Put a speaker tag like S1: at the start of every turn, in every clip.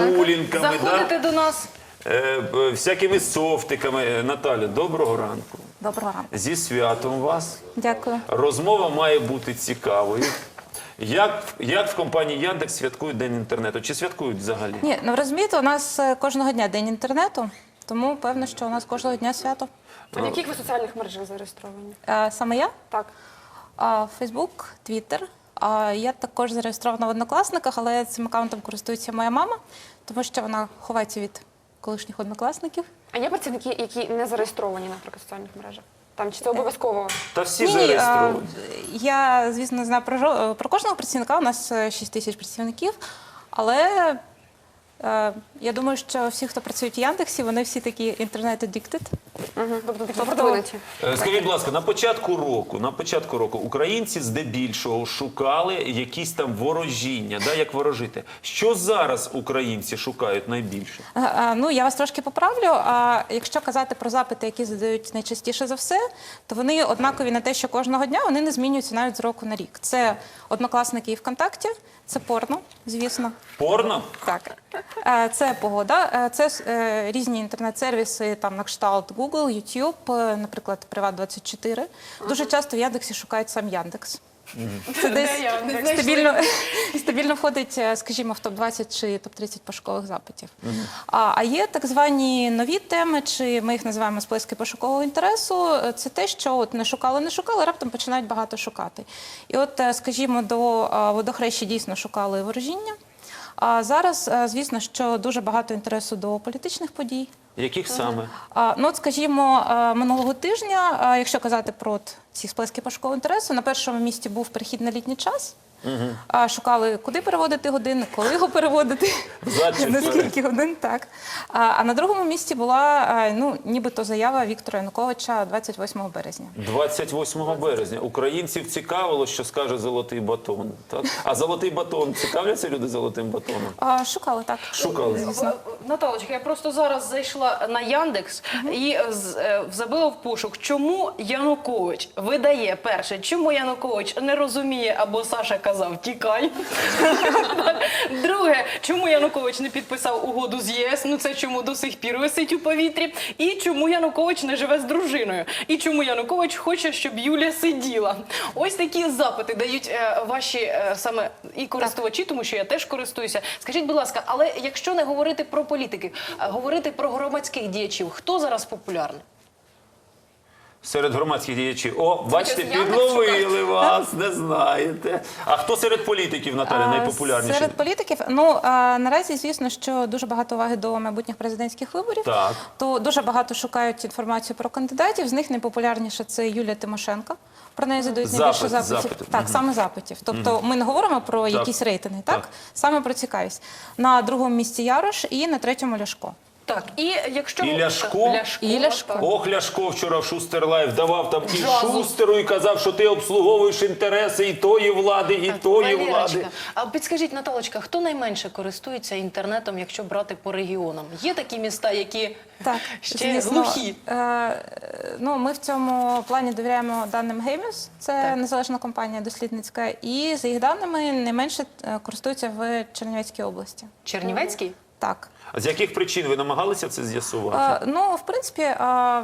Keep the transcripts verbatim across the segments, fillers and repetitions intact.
S1: прогулянками,
S2: Заходите
S1: да?
S2: до нас.
S1: Е, е, всякими софтиками. Е, Наталя, доброго ранку.
S3: Доброго ранку.
S1: Зі святом вас.
S3: Дякую.
S1: Розмова має бути цікавою. Як, як в компанії Яндекс святкують День інтернету? Чи святкують взагалі?
S3: Ні, ну розумієте, у нас е, кожного дня день інтернету, тому певно, що у нас кожного дня свято.
S4: А в яких ви соціальних мережах зареєстровані?
S3: Е, Саме я?
S4: Так.
S3: А, Фейсбук, Твіттер. А я також зареєстрована в Однокласниках, але цим аккаунтом користується моя мама, тому що вона ховається від колишніх однокласників.
S4: А є працівники, які не зареєстровані, наприклад, в соціальних мережах? Там чи це обов'язково?
S1: Та всі
S3: Ні, ні,
S1: зареєстровані.
S3: а, я, звісно, знаю про, жо- про кожного працівника, у нас е, шість тисяч працівників, але е, я думаю, що всі, хто працюють в Яндексі, вони всі такі інтернет-аддіктед.
S4: Угу. Тобто такі
S3: Тобто-
S4: продвинуті.
S1: Е, Скажіть, будь ласка, на початку року, на початку року українці здебільшого шукали якісь там ворожіння, да, як ворожити. Що зараз українці шукають найбільше?
S3: Е, е, Ну, я вас трошки поправлю. А якщо казати про запити, які задають найчастіше за все, то вони однакові на те, що кожного дня вони не змінюються навіть з року на рік. Це Однокласники і ВКонтакті, це порно, звісно.
S1: Порно?
S3: Так, Е, це погода, е, це е, різні інтернет-сервіси, там на кшталт Google, YouTube, е, наприклад, Приват двадцять чотири. Дуже часто в Яндексі шукають сам Яндекс. Це десь стабільно, стабільно входить, е, скажімо, в топ двадцять чи топ тридцять пошукових запитів. А, а є так звані нові теми, чи ми їх називаємо сплески пошукового інтересу. Е, Це те, що от не шукали, не шукали, раптом починають багато шукати. І от, е, скажімо, до е, водохреща дійсно шукали ворожіння. А зараз, е, звісно, що дуже багато інтересу до політичних подій.
S1: Яких саме?
S3: А, Ну, от, скажімо, е, минулого тижня, е, якщо казати про от ці сплески пошукового інтересу, на першому місці був перехід на літній час. А, Шукали, куди переводити години, коли його переводити,
S1: Взад чи
S3: на
S1: вперед?
S3: скільки годин, так. А, а на другому місці була, е, ну, нібито заява Віктора Януковича двадцять восьмого березня.
S1: двадцять восьмого березня. Українців цікавило, що скаже золотий батон. Так? А золотий батон, цікавляться люди золотим батоном?
S3: А, Шукали, так.
S1: Шукали.
S3: Звісно.
S2: Наталочка, я просто зараз зайшла на Яндекс і з- е, забила в пошук, чому Янукович видає перше, чому Янукович не розуміє, або Саша казав «тікай». Друге, чому Янукович не підписав угоду з ЄС, ну це чому до сих пір висить у повітрі, і чому Янукович не живе з дружиною, і чому Янукович хоче, щоб Юля сиділа. Ось такі запити дають е, ваші е, саме і користувачі, тому що я теж користуюся. Скажіть, будь ласка, але якщо не говорити про політиків, а говорити про громадських діячів, хто зараз популярний?
S1: Серед громадських діячів. О, бачите,
S4: Яндекс
S1: підловили вас, не знаєте. А хто серед політиків, Наталя,
S3: А,
S1: найпопулярніший?
S3: Серед політиків, ну а, наразі, звісно, що дуже багато уваги до майбутніх президентських виборів.
S1: Так.
S3: То дуже багато шукають інформацію про кандидатів. З них найпопулярніша це Юлія Тимошенко. Про неї задають
S1: Запит,
S3: найбільше запитів.
S1: запити.
S3: Так,
S1: Мгм.
S3: саме запитів. Тобто ми не говоримо про
S1: Так.
S3: якісь рейтинги, так?
S1: Так.
S3: Саме про цікавість. На другому місці Ярош і на третьому Ляшко.
S2: Так, і якщо...
S1: І Ляшко?
S2: Ляшко,
S3: І Ляшко.
S2: так.
S1: Ох, Ляшко вчора в Шустер Лайф давав там і
S2: Джазу.
S1: Шустеру, і казав, що ти обслуговуєш інтереси і тої влади, і тої
S2: Валерочка,
S1: влади.
S2: а підскажіть, Наталочка, хто найменше користується інтернетом, якщо брати по регіонам? Є такі міста, які
S3: Так,
S2: ще
S3: звісно.
S2: глухі?
S3: Е, ну, ми в цьому плані довіряємо даним Гейміс, це
S2: Так.
S3: незалежна компанія дослідницька, і за їх даними найменше е, користуються в Чернівецькій області.
S2: Чернівецький?
S3: Так.
S1: А з яких причин ви намагалися це з'ясувати?
S3: Е, ну, в принципі, е,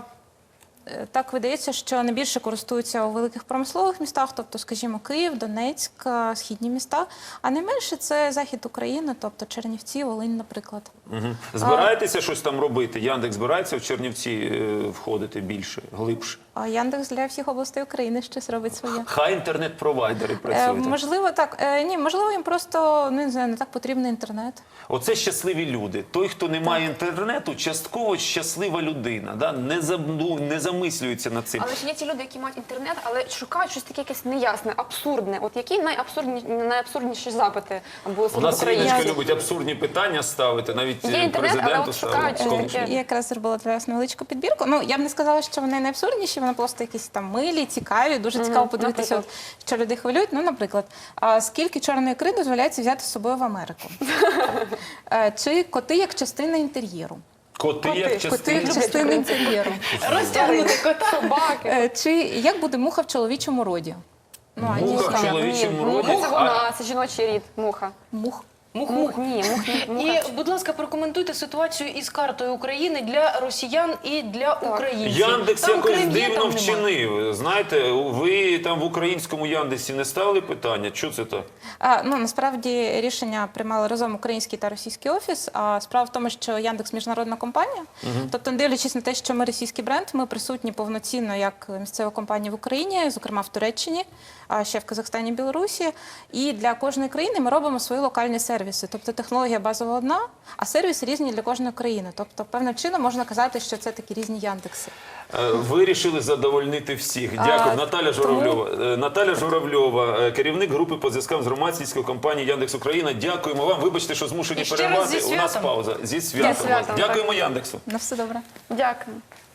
S3: е, так видається, що найбільше користуються у великих промислових містах, тобто, скажімо, Київ, Донецьк, е, східні міста, а найменше це захід України, тобто Чернівці, Волинь, наприклад.
S1: Угу. Збираєтеся щось там робити? Яндекс збирається в Чернівці е, входити більше, глибше?
S3: А Яндекс для всіх областей України щось робить своє.
S1: Хай інтернет-провайдери
S3: Е,
S1: працюють.
S3: можливо, так. Е, ні, можливо, їм просто ну, не знаю, не так потрібний інтернет.
S1: Оце щасливі люди. Той, хто не має інтернету, частково щаслива людина. Да? Не, за, ну, не замислюється над цим.
S4: Але ж є ті люди, які мають інтернет, але шукають щось таке якесь неясне, абсурдне. От які найабсурдні, найабсурдніші запити були
S1: У
S4: серед
S1: нас Іриночка
S4: українців?
S1: любить абсурдні питання ставити, навіть
S4: Є
S1: е,
S4: інтернет, але
S1: президенту
S4: от шукають
S1: ставити.
S4: щось таке.
S3: Я якраз зробила для вас невеличку підбірку. Ну, я б не сказала, що вони найабсурдніші, вони просто якісь там милі, цікаві, дуже цікаво подивитися, от, що людей хвилюють. Ну, наприклад, а скільки чорної ікри дозволяється взяти з собою в Америку? Е, Чи коти як частина інтер'єру?
S1: Коти, як
S3: Коти
S1: частина.
S3: як частина інтер'єру.
S2: Розтягнути кота.
S4: Собаки.
S3: Е, Чи як буде муха в чоловічому роді? Ну, а
S1: Муха
S3: дійсно,
S1: в чоловічому
S4: Ні,
S1: роді.
S4: муха це
S1: А-
S4: вона, це жіночий рід, муха.
S3: Мух.
S2: Мух,
S4: Мух, ні, мух, ні, муха.
S2: І, будь ласка, прокоментуйте ситуацію із картою України для росіян і для українців.
S1: Яндекс
S2: Там
S1: якось
S2: Крим є,
S1: дивно
S2: там нема.
S1: вчинив. Знаєте, ви там в українському Яндексі не ставили питання? Що це так?
S3: А, ну, насправді рішення приймали разом український та російський офіс. А справа в тому, що Яндекс міжнародна компанія. Тобто, не дивлячись на те, що ми російський бренд, ми присутні повноцінно як місцева компанія в Україні, зокрема в Туреччині, а ще в Казахстані, Білорусі. І для кожної країни ми робимо свої локальні сервіси. Тобто технологія базова одна, а сервіси різні для кожної країни. Тобто, певним чином можна казати, що це такі різні Яндекси.
S1: Е, Вирішили задовольнити всіх. Дякую.
S3: А,
S1: Наталя Журавльова. Е, Наталя Журавльова, е, керівник групи по зв'язкам з громадською компанією Яндекс Україна. Дякуємо вам. Вибачте, що змушені
S2: І ще раз
S1: перервати.
S2: зі
S1: У нас
S2: святом.
S1: пауза. Зі святом.
S4: Зі святом,
S1: вас. Дякуємо Яндексу.
S3: На все добре.
S4: Дякую.